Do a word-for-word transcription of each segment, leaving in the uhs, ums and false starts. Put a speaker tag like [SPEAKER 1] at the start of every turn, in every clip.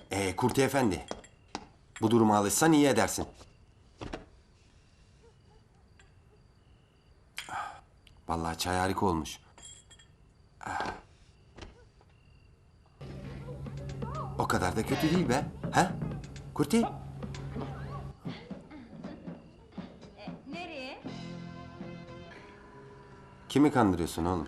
[SPEAKER 1] Ee, Kurti Efendi. Bu duruma alışsan iyi edersin. Vallahi çay harika olmuş. O kadar da kötü değil be. Ha? Kurti?
[SPEAKER 2] Nereye?
[SPEAKER 1] Kimi kandırıyorsun oğlum?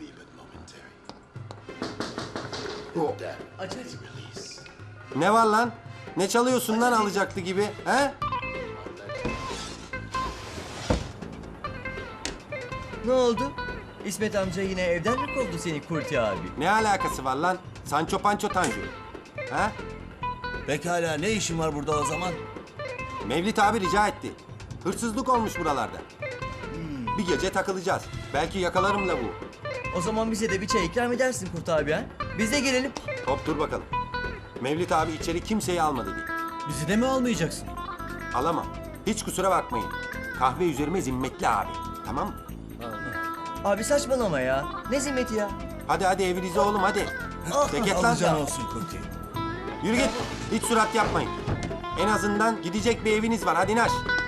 [SPEAKER 3] Aç aç.
[SPEAKER 1] Ne var lan? Ne çalıyorsun lan alacaktı gibi? He?
[SPEAKER 3] Ne oldu? İsmet amca yine evden mi kovdu seni Kurti abi?
[SPEAKER 1] Ne alakası var lan? Sancho Pancho Tanju. Ha?
[SPEAKER 4] Pekala ne işin var burada o zaman?
[SPEAKER 1] Mevlit abi rica etti. Hırsızlık olmuş buralarda. Bir gece takılacağız. Belki yakalarım la bu.
[SPEAKER 3] O zaman bize de bir çay ikram edersin Kurti abi ha? Biz de gelelim.
[SPEAKER 1] Hop dur bakalım. Mevlit abi içeri kimseyi almadı diye.
[SPEAKER 4] Bizi de mi almayacaksın?
[SPEAKER 1] Alamam. Hiç kusura bakmayın. Kahve üzerime zimmetli abi. Tamam mı?
[SPEAKER 3] Abi saçmalama ya. Ne zimmeti ya?
[SPEAKER 1] Hadi hadi evinize oğlum hadi. Ceket lan.
[SPEAKER 4] Alacağın olsun Kurti.
[SPEAKER 1] Yürü git. Hiç surat yapmayın. En azından gidecek bir eviniz var. Hadi naş.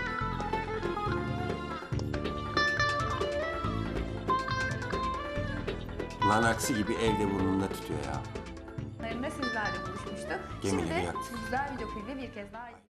[SPEAKER 1] Lan aksi gibi evde burnunda tutuyor ya.
[SPEAKER 2] Sizlerle buluşmuştuk.
[SPEAKER 1] Gemileri
[SPEAKER 2] Şimdi
[SPEAKER 1] yaktı.
[SPEAKER 2] güzel video klibi bir kez daha